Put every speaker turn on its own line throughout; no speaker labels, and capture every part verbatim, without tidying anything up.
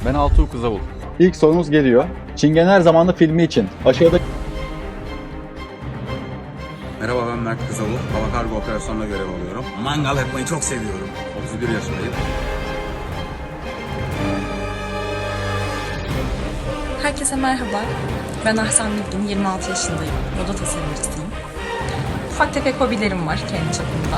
Ben Altuğ Kızavul. İlk sorumuz geliyor. Çingener Zamanı filmi için aşağıda...
Merhaba, ben Mert Kızavul. Hava kargo operasyonuna görev alıyorum. Mangal yapmayı çok seviyorum. otuz bir yaşındayım.
Herkese merhaba. Ben Ahsen Bilgin, yirmi altı yaşındayım. Moda tasarımcısıyım. Ufak tefek hobilerim var kendi çapımda.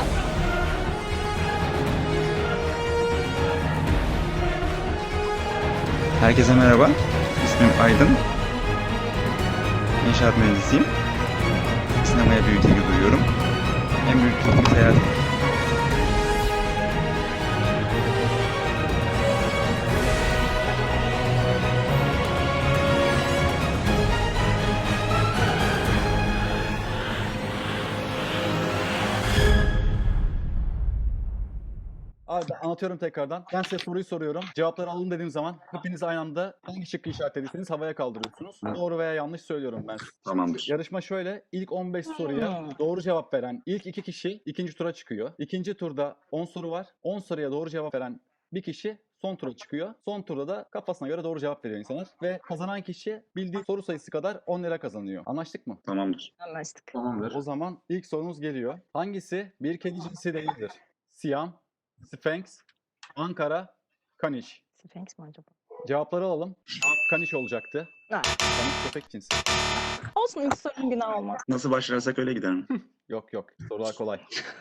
Herkese merhaba. İsmim Aydın. İnşaat mühendisiyim. Sinemaya büyük ilgi duyuyorum. En büyük tutkum seyahat.
Abi ben anlatıyorum tekrardan. Ben size soruyu soruyorum. Cevapları alın dediğim zaman hepiniz aynı anda hangi şıkkı işaretlediyseniz havaya kaldırıyorsunuz. Doğru veya yanlış söylüyorum ben size.
Tamamdır.
Yarışma şöyle. İlk on beş soruya doğru cevap veren ilk iki kişi ikinci tura çıkıyor. İkinci turda on soru var. on soruya doğru cevap veren bir kişi son tura çıkıyor. Son turda da kafasına göre doğru cevap veriyor insanlar. Ve kazanan kişi bildiği soru sayısı kadar on lira kazanıyor. Anlaştık mı?
Tamamdır.
Anlaştık.
Tamamdır.
O zaman ilk sorumuz geliyor. Hangisi bir kedi cinsi değildir? Siyam, Sphinx, Ankara, Kaniş.
Sphinx mi acaba?
Cevapları alalım. Cevap Kaniş olacaktı.
Ha.
Kaniş köpek cinsi.
Olsun, ilk sorun günah olmaz.
Nasıl başlarsak öyle giderim.
Yok yok. Sorular kolay.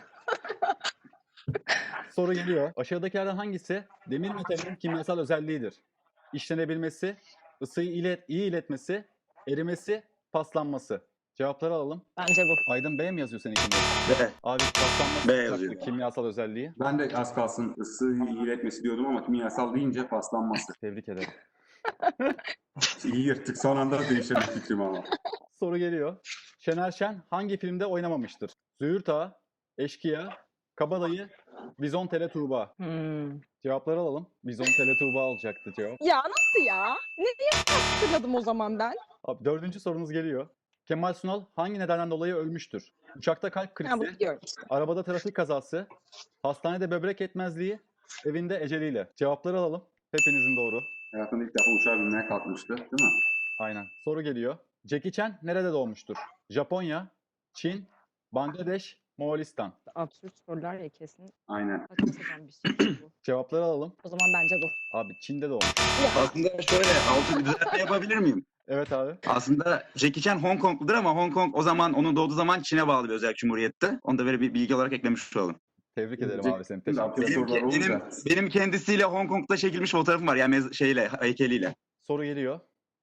Soru geliyor. Aşağıdakilerden hangisi demir metalinin kimyasal özelliğidir? İşlenebilmesi, ısıyı ilet, iyi iletmesi, erimesi, paslanması. Cevapları alalım.
Bence bu.
Aydın B mi yazıyor seninkinde?
B.
Abi paslanması
B
olacaktı,
yazıyor.
kimyasal özelliği.
Ben de az kalsın ısı iletmesi diyordum ama kimyasal deyince paslanması.
Tebrik ederim.
İyi yırttık. Son anda değiştirdik fikrimi ama.
Soru geliyor. Şener Şen hangi filmde oynamamıştır? Züğürt Ağa, Eşkıya, Kabadayı, Bizontele Tuğba.
Hmm.
Cevapları alalım. Bizontele Tuğba olacaktı cevap.
Ya nasıl ya? Ne diye hatırladım o zaman ben?
Abi dördüncü sorumuz geliyor. Kemal Sunal hangi nedenden dolayı ölmüştür? Uçakta kalp
Ha, bunu
krizi,
biliyorum işte.
arabada trafik kazası, hastanede böbrek yetmezliği, evinde eceliyle. Cevapları alalım. Hepinizin doğru.
Hayatımda ilk defa uçağa binmeye kalkmıştı. Değil mi?
Aynen. Soru geliyor. Jackie Chan nerede doğmuştur? Japonya, Çin, Bangladeş, Moğolistan.
Absürt sorular ya kesin.
Aynen.
Saçma sapan bir şey bu.
Cevapları alalım.
O zaman bence bu.
Abi Çin'de doğmuş.
Aslında şöyle altı bir düzeltme yapabilir miyim?
Evet abi.
Aslında Jackie Chan Hong Kongludur ama Hong Kong o zaman onun doğduğu zaman Çin'e bağlı bir özel cumhuriyette. Onu da böyle bir bilgi olarak eklemiş olalım.
Tebrik ederim
Jack-
abi seni. Teşekkür
Absürt
ederim.
Benim,
sorular
benim,
olunca.
benim kendisiyle Hong Kong'da çekilmiş fotoğrafım var. Yani mez- şeyle, heykeliyle.
Soru geliyor.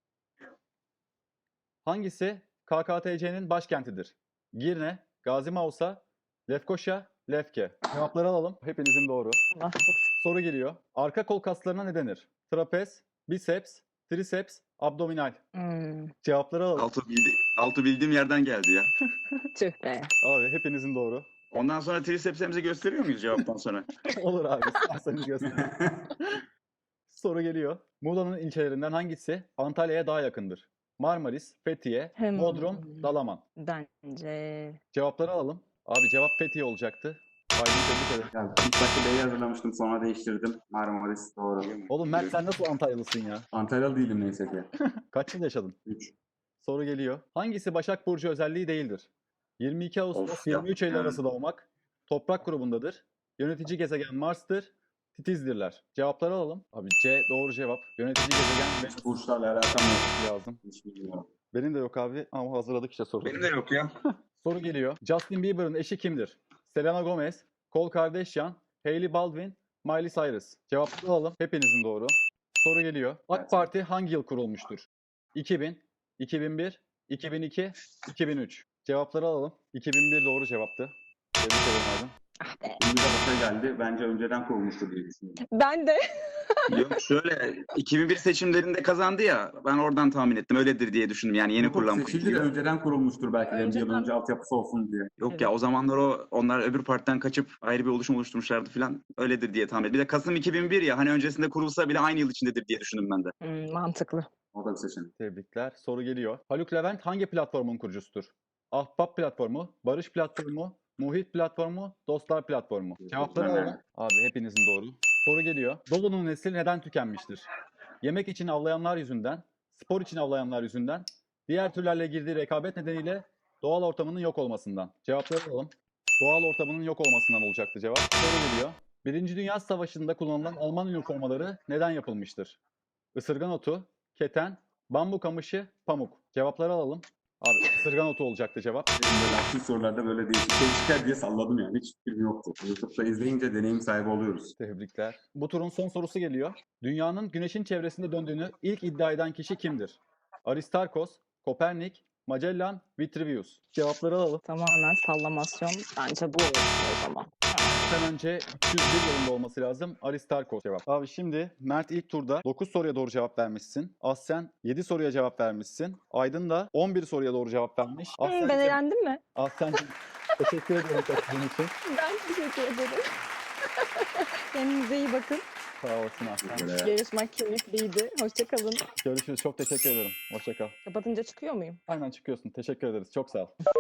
Hangisi K K T C'nin başkentidir? Girne, Gazi Mausa, Lefkoşa, Lefke. Cevapları alalım. Hepinizin doğru.
Allah çok şükür.
Soru geliyor. Arka kol kaslarına ne denir? Trapez, biceps, triceps, abdominal.
Hmm,
Cevapları alalım.
Altı, bildi, altı bildiğim yerden geldi ya.
tüh be.
Abi hepinizin doğru.
Ondan sonra tricepsimizi gösteriyor muyuz cevaptan sonra?
Olur abi. İsterseniz gösterin. Soru geliyor. Muğla'nın ilçelerinden hangisi Antalya'ya daha yakındır? Marmaris, Fethiye,
Hmm.
Bodrum, Dalaman.
Bence...
Cevapları alalım. Abi cevap Fethiye olacaktı. Aydın tebrik ederim.
Ya, ilk başta B'yi hazırlamıştım. Sonra değiştirdim. Marmaris doğru.
Oğlum Mert sen nasıl Antalyalısın ya?
Antalyalı değilim neyse ki.
Kaç yıl yaşadın?
üç.
Soru geliyor. Hangisi Başak Burcu özelliği değildir? yirmi iki Ağustos
Of ya.
yirmi üç Eylül
Yani.
arası doğmak. Toprak grubundadır. Yönetici gezegen Mars'tır. Titizdirler. Cevapları alalım. Abi C doğru cevap. Yönetici gezegen Venüs
Burçlarla alakam yok.
lazım.
Hiç bilmiyorum.
Benim de yok abi ama hazırladık işte soruları.
Benim de yok ya.
Soru geliyor. Justin Bieber'ın eşi kimdir? Selena Gomez, Khloe Kardashian, Hailey Baldwin, Miley Cyrus. Cevapları alalım. Hepinizin doğru. Soru geliyor. AK
Evet.
Parti hangi yıl kurulmuştur? iki bin, iki bin bir, iki bin iki, iki bin üç. Cevapları alalım. iki bin bir doğru cevaptı. Tebrik ederim Aydın.
Ah be.
Şimdi de başa geldi. Bence önceden kurulmuştu diye düşünüyorum.
Ben de.
Yok şöyle iki bin bir seçimlerinde kazandı ya ben oradan tahmin ettim öyledir diye düşündüm yani yeni kurulan bu
Seçildi de
partiyi.
önceden kurulmuştur belki de. Bir yıl
Önceden-
önce altyapısı olsun diye.
Yok ya o zamanlar o onlar öbür partiden kaçıp ayrı bir oluşum oluşturmuşlardı falan öyledir diye tahmin ettim. Bir de Kasım iki bin bir ya hani öncesinde kurulsa bile aynı yıl içindedir diye düşündüm ben de.
Hmm, mantıklı.
O da bir seçenek.
Tebrikler. Soru geliyor. Haluk Levent hangi platformun kurucusudur? Ahbap platformu, Barış platformu, Muhit platformu, Dostlar platformu. Cevapları
Evet.
alalım. Abi hepinizin doğru. Soru geliyor. Dolu'nun nesli neden tükenmiştir? yemek için avlayanlar yüzünden, spor için avlayanlar yüzünden, diğer türlerle girdiği rekabet nedeniyle doğal ortamının yok olmasından. Cevapları alalım. Doğal ortamının yok olmasından olacaktı cevap. Soru geliyor. Birinci Dünya Savaşı'nda kullanılan Alman üniformaları neden yapılmıştır? Isırgan otu, keten, bambu kamışı, pamuk. Cevapları alalım. Abi ısırgan otu olacaktı cevap.
Benim böyle aksi sorularda böyle değişik şey çıkar diye salladım yani. Hiç fikrim yoktu. YouTube'da izleyince deneyim sahibi oluyoruz.
Tebrikler. Bu turun son sorusu geliyor. Dünyanın güneşin çevresinde döndüğünü ilk iddia eden kişi kimdir? Aristarkos, Kopernik, Magellan, Vitruvius. Cevapları alalım.
Tamamen sallamasyon. Bence bu olsun o zaman.
Sen önce üç yüz bir yılında olması lazım. Aristarkos cevap. Abi şimdi Mert ilk turda dokuz soruya doğru cevap vermişsin. Aslen yedi soruya cevap vermişsin. Aydın da on bir soruya doğru cevap vermiş.
Hı, ben
Aslen,
eğlendim mi?
Aslen'cim teşekkür ederim katıldığın için.
Ben teşekkür ederim. Kendinize iyi bakın.
Sağ olasın Aslen.
Böyle
Yarışmak keyifliydi. Hoşçakalın.
Görüşürüz. Çok teşekkür ederim. Hoşça kal.
Kapatınca çıkıyor muyum?
Aynen çıkıyorsun. Teşekkür ederiz. Çok sağ ol.